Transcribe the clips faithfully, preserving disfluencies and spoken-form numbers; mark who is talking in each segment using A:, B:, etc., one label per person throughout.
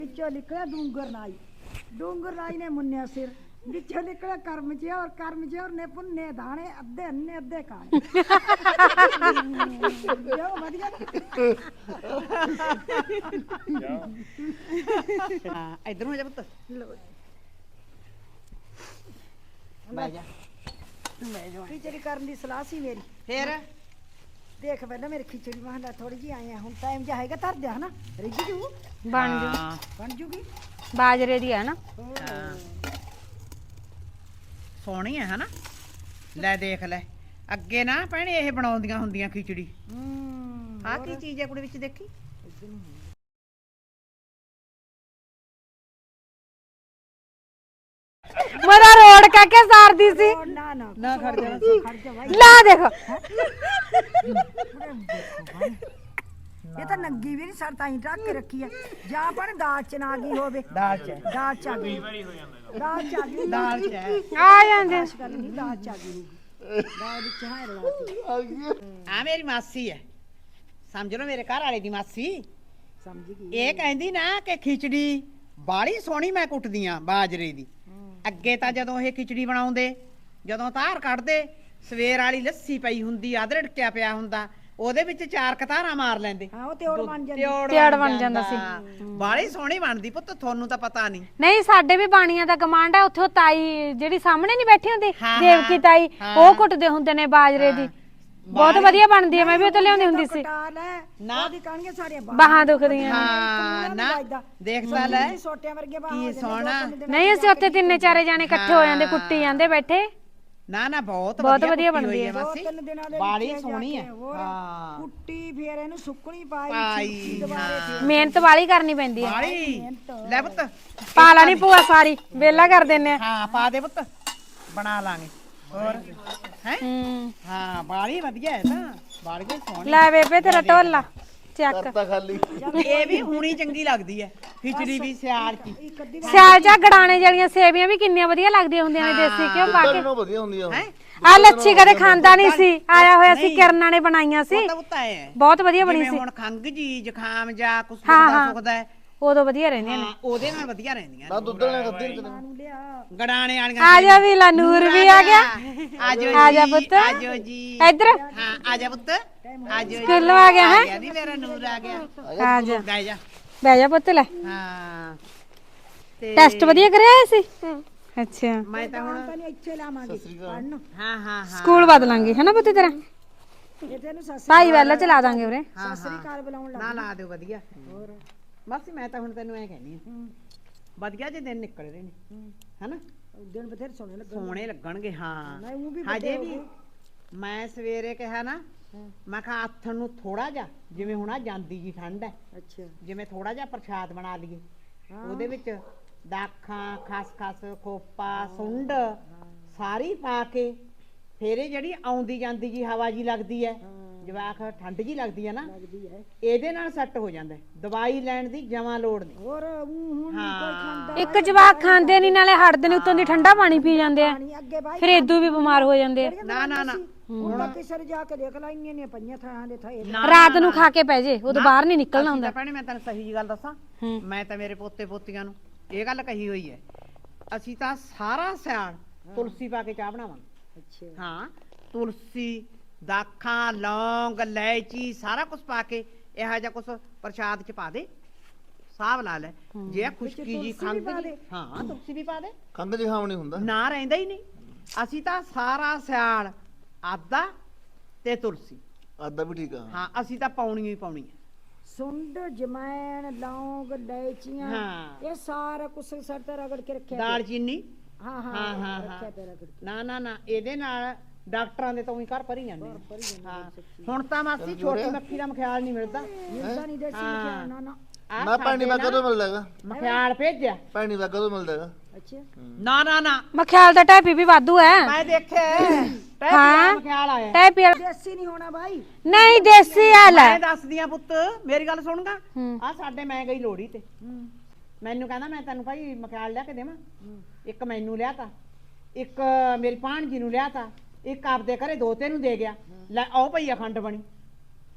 A: ਵਿੱਚੋਂ ਨਿਕਲਿਆ ਡੂੰਗਰ ਨਾਈ ਡੂੰਗਰ ਨਾਈ ਨੇ ਮੁੰਨਿਆ ਸਿਰ ਵਿੱਚੋਂ ਨਿਕਲਿਆ ਕਰਮ ਚੌਰ ਕਰਮ ਚੌਰ ਨੇ ਪੁੰਨੇ ਦਾਣੇ ਅੱਧੇ ਅੰਨੇ ਅੱਧੇ ਕਾਣੇ ਜੋ ਵਧੀਆ
B: ਹਾਂ ਇਧਰ ਨੂੰ ਜਾ ਪੁੱਤ ਬਹਿ ਜਾ ਬਹਿ ਜਾ
A: ਖਿਚੜੀ ਕਰਨ ਦੀ ਸਲਾਹ ਸੀ ਮੇਰੀ
B: ਫੇਰ
A: ਦੇਖ ਪਹਿਲਾਂ ਮੇਰੀ ਖਿਚੜੀ ਮਹਲਾ ਥੋੜੀ ਜਿਹੀ ਆਏ ਆ ਹੁਣ ਟਾਈਮ ਜਾ ਹੈਗਾ ਧਰ ਦਿਆ ਹਨਾ ਰਿੱਝ ਜੂ
C: ਬਣ ਜੂ
A: ਬਣ ਜੂਗੀ
C: ਬਾਜਰੇ ਦੀ ਹੈ ਨਾ
B: ਸੋਹਣੀ ਹੈ ਹਨਾ ਲੈ ਦੇਖ ਲੈ ਅੱਗੇ ਨਾ ਭੈਣੇ ਇਹ ਬਣਾਉਂਦੀਆਂ ਹੁੰਦੀਆਂ ਖਿਚੜੀ
A: ਹੂੰ
B: ਆਹ ਕੀ ਚੀਜ਼ ਹੈ ਕੁੜੀ ਵਿੱਚ ਦੇਖੀ
C: ਮੇਰਾ ਰੋੜ ਕਹਿ ਕੇ ਸਾਰਦੀ ਸੀ
A: ਨਾ ਨਾ
B: ਨਾ ਖੜ ਜਾ
A: ਖੜ ਜਾ ਭਾਈ
C: ਲਾ ਦੇਖ
A: ਇਹ ਤਾਂ ਨੰਗੀ ਵੀ ਨਹੀਂ ਸਰ ਤਾਂ ਹੀ ਢੱਕ ਕੇ ਰੱਖੀ ਹੈ ਜਾਂ ਪਰ ਦਾਲ ਚ ਨਾ ਗਈ ਹੋਵੇ
B: ਦਾਲ ਚ
A: ਦਾਲ ਚ ਆ ਗਈ ਦਾਲ ਚ ਆ ਗਈ
B: ਦਾਲ ਚ ਹੈ।
C: ਆ ਜਾਂਦੇ
A: ਇਸ ਗੱਲ ਨਹੀਂ ਦਾਲ ਚ ਆ ਗਈ ਹੋਊਗੀ। ਦਾਲ ਵਿੱਚ ਹੈ ਰਲਾਤੀ
B: ਆ ਮੇਰੀ ਮਾਸੀ ਹੈ ਸਮਝ ਲਓ ਮੇਰੇ ਘਰ ਵਾਲੇ ਦੀ ਮਾਸੀ
A: ਸਮਝ ਗਈ
B: ਇਹ ਕਹਿੰਦੀ ਨਾ ਕਿ ਖਿਚੜੀ ਬਾੜੀ ਸੋਹਣੀ ਮੈਂ ਕੁੱਟਦੀ ਆ ਬਾਜਰੇ ਦੀ ਅੱਗੇ ਤਾਂ ਜਦੋਂ ਇਹ ਖਿਚੜੀ ਬਣਾਉਂਦੇ ਜਦੋਂ ਧਾਰ ਕੱਢਦੇ ਸਵੇਰ ਵਾਲੀ ਲੱਸੀ ਪਈ ਹੁੰਦੀ ਅਦਰੜਕਿਆ ਪਿਆ ਹੁੰਦਾ ਉਹਦੇ ਵਿੱਚ ਚਾਰ ਕਤਾਰਾਂ ਮਾਰ ਲੈਂਦੇ
A: ਹਾਂ ਉਹ ਤਿਉੜ ਬਣ ਜਾਂਦੀ
C: ਤਿਉੜ ਬਣ ਜਾਂਦਾ ਸੀ।
B: ਬਾੜੀ ਸੋਹਣੀ ਬਣਦੀ ਪੁੱਤ ਤੁਹਾਨੂੰ ਤਾਂ ਪਤਾ ਨਹੀਂ
C: ਨਹੀਂ ਸਾਡੇ ਵੀ ਬਾਣੀਆਂ ਦਾ ਕਮਾਂਡ ਹੈ ਉੱਥੇ ਉਹ ਤਾਈ ਜਿਹੜੀ ਸਾਹਮਣੇ ਨਹੀਂ ਬੈਠੀ ਹੁੰਦੀ
B: ਹਾਂ,
C: ਦੇਵਕੀ ਤਾਈ
B: ਹਾਂ।
C: ਉਹ ਕੁੱਟਦੇ ਹੁੰਦੇ ਨੇ ਬਾਜਰੇ ਦੀ ਬਹੁਤ ਵਧੀਆ ਬਣਦੀ ਹੈ ਮੈਂ ਵੀ ਉੱਥੇ ਲਿਆਉਂਦੀ ਹੁੰਦੀ ਸੀ
A: ਕਟਾ ਲੈ
B: ਨਾ।
A: ਉਹਦੀ ਕਹਾਣੀਆਂ ਸਾਰੀਆਂ
C: ਬਾਹਾਂ ਦੁਖਦੀਆਂ
B: ਹਾਂ ਨਾ ਦੇਖ ਤਾਂ ਲੈ
A: ਛੋਟਿਆਂ ਵਰਗੇ ਬਾਹਾਂ
B: ਕੀ
A: ਹੋ ਜਾਂਦੀਆਂ,
B: ਸੋਹਣਾ।
A: ਦੋ ਤਿੰਨ ਦਿਨ
C: ਨਹੀਂ ਅਸੀਂ ਉੱਥੇ ਤਿੰਨੇ ਚਾਰੇ ਜਾਣੇ ਇਕੱਠੇ ਹੋ ਜਾਂਦੇ ਕੁੱਟੀ ਜਾਂਦੇ ਬੈਠੇ
B: ਨਾ ਨਾ ਬਹੁਤ
C: ਬਹੁਤ ਵਧੀਆ
B: ਕੁੱਟੀ
C: ਬਣਦੀ
B: ਹੋਈ
C: ਹੈ।
A: ਦੋ
B: ਮਾਸੀ
A: ਤਿੰਨ ਦਿਨਾਂ ਦੇ
B: ਬਾੜੀ
A: ਵਿੱਚ ਜਾ
B: ਸੋਹਣੀ ਹੈ
A: ਕੇ ਹੋਰ
B: ਹਾਂ
A: ਕੁੱਟੀ ਫੇਰ ਇਹਨੂੰ ਸੁੱਕਣੀ ਪਾਈ
B: ਪਾਈ,
A: ਸੁੱਕੀ ਦੁਬਾਰੇ ਫੇਰ
C: ਮਿਹਨਤ ਵਾਲੀ ਕਰਨੀ ਪੈਂਦੀ ਹੈ
B: ਬਾੜੀ ਲੈ ਪੁੱਤ
C: ਪਾ ਲੈਣੀ ਭੂਆ ਸਾਰੀ ਵੇਲਾ ਕਰ ਦਿੰਨੇ ਆ
B: ਹਾਂ ਪਾ ਦੇ ਪੁੱਤ ਬਣਾ ਲਾਂਗੇ ਹੋਰ ਹੈ
C: ਹੂੰ
B: ਹਾਂ ਬਾੜੀ ਵਧੀਆ ਹੈ ਤਾਂ ਬਾੜੀ ਵੀ ਸੋਹਣੀ
C: ਲੈ ਬੇਬੇ ਤੇਰਾ ਢੋਲਾ ਚੱਕ
B: ਇਹ ਵੀ ਹੁਣੀ ਚੰਗੀ ਲੱਗਦੀ ਹੈ ਖਿਚੜੀ ਵੀ ਸਿਆਲ ਚ
A: ਇੱਕ ਅੱਧੀ
C: ਸਿਆਲ ਚ ਗੜਾਣੇ ਜਿਹੜੀਆਂ ਸੇਵੀਆਂ ਵੀ ਕਿੰਨੀਆਂ ਵਧੀਆ ਲੱਗਦੀਆਂ ਹੁੰਦੀਆਂ ਨੇ ਦੇਸੀ ਘਿਓ ਪਾ ਕੇ
D: ਵਧੀਆ ਹੁੰਦੀਆਂ ਉਹ।
B: ਹੈ
C: ਆ ਲੱਛੀ ਕਦੇ ਖਾਂਦਾ ਨਹੀਂ ਸੀ ਆਇਆ ਹੋਇਆ ਸੀ ਕਿਰਨਾਂ ਨੇ ਬਣਾਈਆਂ ਸੀ
B: ਤਾਂ ਉੱਤਾ ਹੈ
C: ਬਹੁਤ ਵਧੀਆ ਬਣੀ
B: ਜਿਵੇਂ
C: ਸੀ
B: ਹੁਣ ਖੰਗ ਜੀ ਜ਼ੁਕਾਮ ਜਾਂ ਕੁਛ
C: ਹਾਂ,
B: ਸੁੱਕਦਾ
C: ਹਾਂ।
B: ਸੁੱਕਦਾ ਹੈ
C: ਉਦੋਂ ਵਧੀਆ ਰਹਿੰਦੀਆਂ ਨੇ
B: ਹਾਂ ਉਹਦੇ ਨਾਲ ਵਧੀਆ ਰਹਿੰਦੀਆਂ
D: ਨਾ ਦੁੱਧ ਲੈਣਾ ਕੱਢੀ ਕਿਤੇ
A: ਨੂੰ ਲਿਆ
B: ਗੜਾਣੇ ਵਾਲੀਆਂ
C: ਆ ਜਾ ਵੀ ਲਾ ਨੂਰ ਵੀ ਆ ਗਿਆ
B: ਆਜੋ
C: ਆ ਜਾ
B: ਜੀ,
C: ਪੁੱਤ।
B: ਆਜੋ ਜੀ
C: ਇੱਧਰ
B: ਹਾਂ ਆ ਜਾ ਪੁੱਤ ਆਜੋ ਜੀ
C: ਸਕੂਲੋਂ ਆ ਗਿਆ ਹੈ
B: ਗਿਆ ਨੀ ਮੇਰਾ ਨੂਰ ਆ ਗਿਆ
C: ਆ ਜਾ
B: ਬਹਿ ਜਾ
C: ਬਹਿ ਜਾ ਪੁੱਤ ਲੈ
B: ਹਾਂ ਤੇ
C: ਟੈਸਟ ਵਧੀਆ ਕਰਿਆ ਹੋਇਆ ਸੀ ਅੱਛਾ
B: ਮੈਂ ਤਾਂ ਹੁਣ
A: ਤਾਂ ਨਹੀਂ ਇੱਥੇ ਲਾਵਾਂਗੇ ਪੜਨ
B: ਹਾਂ ਹਾਂ ਹਾਂ
C: ਸਕੂਲ ਬਦਲਾਂਗੇ ਹਨਾ ਪੁੱਤ ਤੇਰਾ
A: ਇਹ ਤੈਨੂੰ ਸੱਸ
C: ਭਾਈ ਵਾਲਾ ਚਲਾ ਦਾਂਗੇ ਉਰੇ
A: ਸਸਰੀ ਕਾਲ ਬੁਲਾਉਣ ਲੱਗ
B: ਨਾ ਲਾ ਦਿਓ ਵਧੀਆ ਹੋਰ ਬਸ ਮੈਂ ਤਾਂ ਹੁਣ ਤੈਨੂੰ ਐ ਕਹਿਨੀ ਆ ਵਧੀਆ ਜੇ ਦਿਨ ਨਿਕਲ ਰਹੇ ਨੇ ਹਨਾ
A: ਦਿਨ ਬਥੇਰੇ ਸੋਹਣੇ ਲੱਗ
B: ਸੋਹਣੇ ਲੱਗਣਗੇ ਹਾਂ
A: ਨਹੀਂ ਉਹ ਵੀ
B: ਹਜੇ ਵੀ ਮੈਂ ਸਵੇਰੇ ਕਿਹਾ ਨਾ ਮੈਂ ਕਿਹਾ ਆਥਣ ਨੂੰ ਥੋੜਾ ਜਿਹਾ ਜਿਵੇਂ ਹੁਣ ਆ ਜਾਂਦੀ ਜੀ ਠੰਡ ਹੈ
A: ਅੱਛਾ
B: ਜਿਵੇਂ ਥੋੜਾ ਜਿਹਾ ਪ੍ਰਸ਼ਾਦ ਬਣਾ ਲਈਏ ਉਹਦੇ ਵਿੱਚ ਦਾਖਾਂ ਖਸਖਸ ਖੋਪਾ ਸੁੰਡ ਸਾਰੀ ਪਾ ਕੇ ਫੇਰ ਇਹ ਜਿਹੜੀ ਆਉਂਦੀ ਜਾਂਦੀ ਜੀ ਹਵਾ ਜੀ ਲੱਗਦੀ ਹੈ ਜਵਾਕ ਠੰਡ ਜੀ ਲੱਗਦੀ ਹੈ ਨਾ
A: ਲੱਗਦੀ ਹੈ
B: ਇਹਦੇ ਨਾਲ ਸੈੱਟ ਹੋ ਜਾਂਦਾ ਹੈ। ਦਵਾਈ ਲੈਣ ਦੀ ਜਮਾਂ ਲੋੜ ਨਹੀਂ
A: ਹੋਰ ਊਂ ਹੁਣ ਨੀ ਕੋਈ ਖਾਂਦਾ
C: ਇੱਕ ਜਵਾਕ ਖਾਂਦੇ ਨਹੀਂ ਨਾਲੇ ਹਟਦੇ ਨਹੀਂ ਉੱਤੋਂ ਦੀ ਠੰਡਾ ਪਾਣੀ ਪੀ ਜਾਂਦੇ ਆ
A: ਪਾਣੀ ਅੱਗੇ ਬਾਈ
C: ਫਿਰ ਇਦੋਂ ਵੀ ਬਿਮਾਰ ਹੋ ਜਾਂਦੇ ਆ
B: ਨਾ ਨਾ ਨਾ
A: ਹੁਣ ਤਾਂ ਕਿਸੇ ਜਾ ਕੇ ਦੇਖ ਲੈ ਇੰਨੀਆਂ ਨੇ ਪਈਆਂ ਥਾਂ ਦੇ ਥਾਂ
C: ਰਾਤ ਨੂੰ ਖਾ ਕੇ ਪੈ ਜੇ ਉਦੋਂ ਬਾਹਰ ਨਹੀਂ ਨਿਕਲਣਾ ਹੁੰਦਾ
B: ਭੈਣੇ ਮੈਂ ਤੈਨੂੰ ਸਹੀ ਜੀ ਗੱਲ ਦੱਸਾਂ ਮੈਂ ਤਾਂ ਮੇਰੇ ਪੋਤੇ ਪੋਤੀਆਂ ਨੂੰ ਇਹ ਗੱਲ ਕਹੀ ਹੋਈ ਹੈ ਅਸੀਂ ਤਾਂ ਸਾਰਾ ਸਿਆਲ ਤੁਲਸੀ ਪਾ ਕੇ ਚਾਹ ਬਣਾਵਾਂਗੇ
A: ਅੱਛਾ
B: ਹਾਂ ਤੁਲਸੀ ਦਾਖਾਂ ਲੌਂਗ ਇਲਾਇਚੀ ਸਾਰਾ ਕੁਝ ਪਾ ਕੇ ਇਹੋ ਜਿਹਾ ਕੁਝ ਪ੍ਰਸ਼ਾਦ ਚ ਪਾ ਦੇ ਸਾਬ ਲਾ ਲੈ ਜੇ ਖੁਸ਼ਕੀ ਜੀ ਖੰਗ ਜੀ ਹਾਂ ਤੁਲਸੀ ਵੀ ਪਾ ਦੇ
D: ਖੰਗ ਜ਼ੁਕਾਮ ਨਹੀਂ ਹੁੰਦਾ
B: ਨਾ ਰਹਿੰਦਾ ਹੀ ਨਹੀਂ ਅਸੀਂ ਤਾਂ ਸਾਰਾ ਸਿਆਲ ਆਦਾ ਤੇ ਤੁਲਸੀ
D: ਆਦਾ ਵੀ ਠੀਕ ਆ
B: ਹਾਂ ਅਸੀਂ ਤਾਂ ਪਾਉਣੀ ਹੀ ਪਾਉਣੀ ਹੈ
A: ਸੁੰਡ ਜਮੈਣ ਲੌਂਗ ਇਲਾਇਚੀਆਂ
B: ਹਾਂ
A: ਇਹ ਸਾਰਾ ਕੁਛ ਸਰ ਤੇ ਰਗੜ ਕੇ ਰੱਖਿਆ
B: ਦਾਲ ਚੀਨੀ
A: ਹਾਂ ਹਾਂ
B: ਹਾਂ ਹਾਂ
A: ਰੱਖਿਆ
B: ਹਾਂ
A: ਤੇ ਰਗੜ ਕੇ
B: ਨਾ ਨਾ ਨਾ ਇਹਦੇ ਨਾਲ ਡਾਕਟਰਾਂ ਦੇ ਤੋਂ ਹੀ ਘਰ ਭਰੀ ਜਾਂਦੇ ਨੇ। ਹਾਂ ਹੁਣ ਤਾਂ ਮਾਸੀ ਛੋਟੀ ਮੱਖੀ ਦਾ ਮਖਿਆਲ ਨਹੀਂ ਮਿਲਦਾ
A: ਮਿਲਦਾ ਨਹੀਂ ਦੇਸੀ ਮਖਿਆ ਨਾ ਨਾ
B: ਆਹ
D: ਨਾ ਪਾਣੀ ਵਾ ਕਦੋਂ ਮਿਲਦਾ ਹੈਗਾ
B: ਮਖਿਆਲ ਭੇਜਿਆ
D: ਪਾਣੀ ਵਾ ਕਦੋਂ ਮਿਲਦਾ ਹੈਗਾ
A: ਅੱਛਾ
B: ਨਾ ਨਾ ਨਾ
C: ਮਖਿਆਲ ਦਾ ਟੈਪੀ ਵੀ ਵਾਧੂ ਹੈ
B: ਮੈਂ ਦੇਖਿਆ ਟੈਪੀ
C: ਹਾਂ।
B: ਦਾ ਮਖਿਆਲ ਆਇਆ
C: ਟੈਪੀ ਵਾਲਾ-
A: ਦੇਸੀ ਨਹੀਂ ਹੋਣਾ ਬਾਈ
C: ਨਹੀਂ ਦੇਸੀ ਆ ਲੈ
B: ਮੈਂ ਦੱਸਦੀ ਆ ਪੁੱਤ ਮੇਰੀ ਗੱਲ ਸੁਣਗਾ
C: ਹੂੰ।
B: ਆ ਸਾਡੇ ਮੈਂ ਗਈ ਲੋੜੀ ਤੇ ਮੈਨੂੰ ਕਹਿੰਦਾ ਮੈਂ ਤੈਨੂੰ ਭਾਈ ਮਖਿਆਲ ਲਿਆ ਕੇ ਦੇਵਾਂ ਇੱਕ ਮੈਨੂੰ ਲਿਆ ਤਾ ਇੱਕ ਮੇਰੀ ਭਾਣਜੀ ਨੂੰ ਲਿਆ ਤਾ ਇੱਕ ਆਪਦੇ ਘਰੇ ਦੋਤੇ ਨੂੰ ਦੇ ਗਿਆ ਲੈ ਆਓ ਭਈ ਅਖੰਡ ਬਣੀ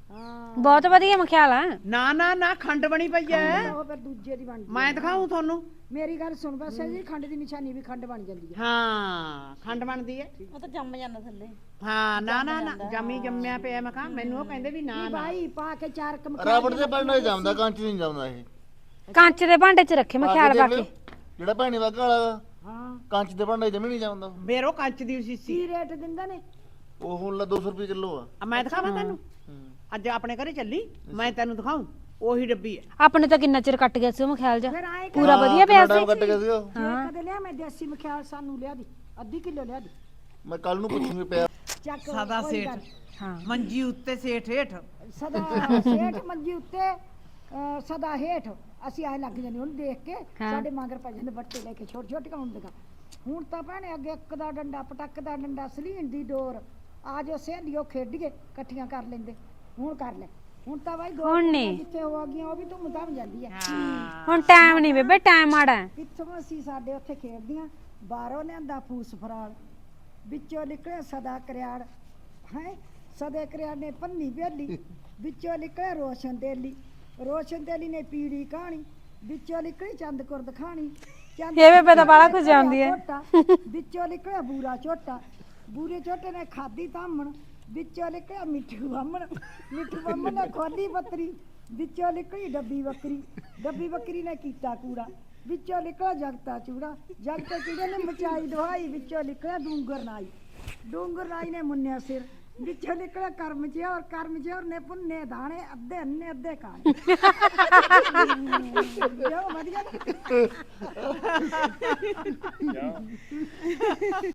A: ਹਾਂ
C: ਬਹੁਤ ਵਧੀਆ ਮਖਿਆਲ ਆ।
B: ਨਾ ਨਾ ਨਾ ਖੰਡ ਬਣੀ ਪਈ ਐ।
A: ਉਹ ਫਿਰ ਦੂਜੇ ਦੀ ਬਣਦੀ
B: ਮੈਂ ਦਿਖਾਉਂ ਤੁਹਾਨੂੰ।
A: ਮੇਰੀ ਗੱਲ ਸੁਣ ਬਸ ਜੀ ਖੰਡ ਦੀ ਨਿਸ਼ਾਨੀ ਵੀ ਖੰਡ ਬਣ ਜਾਂਦੀ ਹੈ
B: ਹਾਂ ਖੰਡ ਬਣਦੀ ਐ।
E: ਉਹ ਤਾਂ ਜੰਮ ਜਾਂਦਾ ਥੱਲੇ।
B: ਹਾਂ ਨਾ ਨਾ ਨਾ ਜਮੀ ਜੰਮਿਆ ਪਿਆ ਮੈਂ ਕਿਹਾ ਮੈਨੂੰ ਉਹ ਕਹਿੰਦੇ ਵੀ ਨਾ
A: ਨਹੀਂ
B: ਨਾ
A: ਭਾਈ ਪਾ ਕੇ ਚਾਰ ਕਮ
D: ਰਾਬੜ ਦੇ ਬਣਨਾ ਜਾਂਦਾ ਕੰਚ ਨਹੀਂ ਜਾਂਦਾ ਇਹ
C: ਕੰਚ ਦੇ ਭਾਂਡੇ 'ਚ ਰੱਖੇ ਮਖਿਆਲ ਪਾ
D: ਦੇਖ
C: ਕੇ।
D: ਲਿਓ, ਜਿਹੜਾ ਭੈਣੀ ਵਾਗਾ ਵਾਲਾ
A: ਹਾਂ
D: ਕੰਚ ਦੇ ਭਾਂਡੇ ਜਮੀ ਨਹੀਂ ਜਾਂਦਾ
B: ਮੇਰੋ ਕੰਚ ਦੀ ਸੀਸੀ
A: ਕੀ ਰੇਟ ਦਿੰਦੇ ਨੇ
D: ਉਹ ਹੁਣ ਲਾ ਦੋ ਸੌ ਰੁਪਏ ਕਿਲੋ ਆ
B: ਆ ਮੈਂ ਦਿਖਾਵਾਂ ਤੈਨੂੰ ਅੱਜ ਆਪਣੇ ਘਰੇ ਚੱਲੀ ਮੈਂ ਤੈਨੂੰ ਦਿਖਾਉਂ ਉਹੀ ਡੱਬੀ ਐ।
C: ਆਪਣੇ ਤਾਂ ਕਿੰਨਾ ਚਿਰ ਕੱਟ ਗਿਆ ਸੀ ਉਹ ਮਖਿਆਲ ਜਾ।
A: ਫਿਰ ਆਏ
C: ਪੂਰਾ ਵਧੀਆ ਪਿਆ ਸੀ।
D: ਕੱਟ ਗਿਆ ਸੀ ਉਹ
A: ਜੇ ਕਦੇ ਲਿਆ ਮੈਂ ਦੇਸੀ ਮਖਿਆਲ ਸਾਨੂੰ ਲਿਆ ਦੀ ਅੱਧੀ ਕਿਲੋ ਲਿਆ ਦੀ
D: ਮੈਂ ਕੱਲ ਨੂੰ ਪੁੱਛੂਗੀ ਪਿਆ
A: ਚੱਕ
B: ਸਦਾ
A: ਕੋਈ
B: ਸੇਠ
A: ਗੱਲ।
C: ਹਾਂ
B: ਮੰਜੀ ਉੱਤੇ ਸੇਠ ਹੇਠ।
A: ਸਦਾ ਸੇਠ ਮੰਜੀ ਉੱਤੇ ਅਹ, ਸਦਾ ਹੇਠ ਅਸੀਂ ਆਏ ਲੱਗ ਜਾਂਦੇ ਉਹਨੂੰ ਦੇਖ ਕੇ ਸਾਡੇ ਮਗਰ ਪੈ ਜਾਂਦੇ ਬੱਟੇ ਲੈ ਕੇ ਛੋਟੇ ਛੋਟੇ ਹੁੰਦੀਆਂ। ਹੁਣ ਤਾਂ ਭੈਣੇ ਅੱਗੇ ਇੱਕ ਦਾ ਡੰਡਾ ਪਟਕ ਦਾ ਡੰਡਾ ਸਲੀਨ ਦੀ ਡੋਰ ਆ ਜੋ ਸਹੇਲੀਓ ਖੇਡੀਏ ਇਕੱਠੀਆਂ ਕਰ ਲੈਂਦੇ। ਹੁਣ ਕਰ ਲੈ ਹੁਣ ਤਾਂ ਬਾਈ ਦੋ
C: ਹੁਣ ਨੀ।
A: ਜਿੱਥੇ ਹੋ ਗਈਆਂ ਉਹ ਵੀ ਧੁੰਮ ਧਾਮ ਜਾਂਦੀ ਹੈ।
C: ਹੁਣ ਟਾਈਮ ਨਹੀਂ ਬੇਬੇ, ਟਾਈਮ ਮਾੜਾ ਹੈ।
A: ਪਿੱਛੋਂ ਅਸੀਂ ਸਾਡੇ ਉੱਥੇ ਖੇਡਦੀਆਂ ਬਾਹਰੋਂ ਲਿਆਂਦਾ ਫੂਸ ਫਰਾਲ ਵਿੱਚੋਂ ਨਿਕਲਿਆ ਸਦਾ ਕਰਿਆੜ ਹੈ ਸਦੇ ਕਰਿਆੜ ਨੇ ਪੰਨੀ ਬੇਲੀ ਵਿੱਚੋਂ ਨਿਕਲਿਆ ਰੋਸ਼ਨ ਦੇਲੀ ਰੋਸ਼ਨ ਦੇਲੀ ਨੇ ਪੀੜੀ ਕਹਾਣੀ ਵਿੱਚੋਂ ਨਿਕਲੀ ਚੰਦ ਕੁਰਦ ਖਾਣੀ ਚੰਦ
C: ਇਹ ਬੇਬੇ ਤਾਂ ਬਾਹਲਾ ਕੁਝ ਜਾਣਦੀ ਹੈ।
A: ਝੋਟਾ, ਵਿੱਚੋਂ ਨਿਕਲਿਆ ਬੂਰਾ ਝੋਟਾ ਬੂਰੇ ਝੋਟੇ ਨੇ ਖਾਦੀ ਤਾਮਣ ਵਿੱਚੋਂ ਨਿਕਲਿਆ ਮਿੱਠੂ ਬਾਮਣ ਮਿੱਠੂ ਬਾਮਣ ਨੇ ਖੋਲੀ ਬੱਤਰੀ ਵਿੱਚੋਂ ਨਿਕਲੀ ਡੱਬੀ ਬੱਕਰੀ ਡੱਬੀ ਬੱਕਰੀ ਨੇ ਕੀਤਾ ਕੂੜਾ ਵਿੱਚੋਂ ਨਿਕਲਿਆ ਜਗਤਾ ਚੂੜਾ ਜਗਤੇ ਚੂੜੇ ਨੇ ਮਚਾਈ ਦਵਾਈ ਵਿੱਚੋਂ ਨਿਕਲਿਆ ਡੂੰਗਰ ਨਾਈ ਡੂੰਗਰ ਨਾਈ ਨੇ ਮੁੰਨਿਆ ਸਿਰ ਵਿੱਚੋਂ ਨਿਕਲਿਆ ਕਰਮ ਜਿਹਾ ਔਰ ਕਰਮ ਜਿਹਾ ਨੇ ਪੁੰਨੇ ਦਾਣੇ ਅੱਧੇ ਅੰਨੇ ਅੱਧੇ ਕਾਣੇ ਜੋ ਵਧੀਆ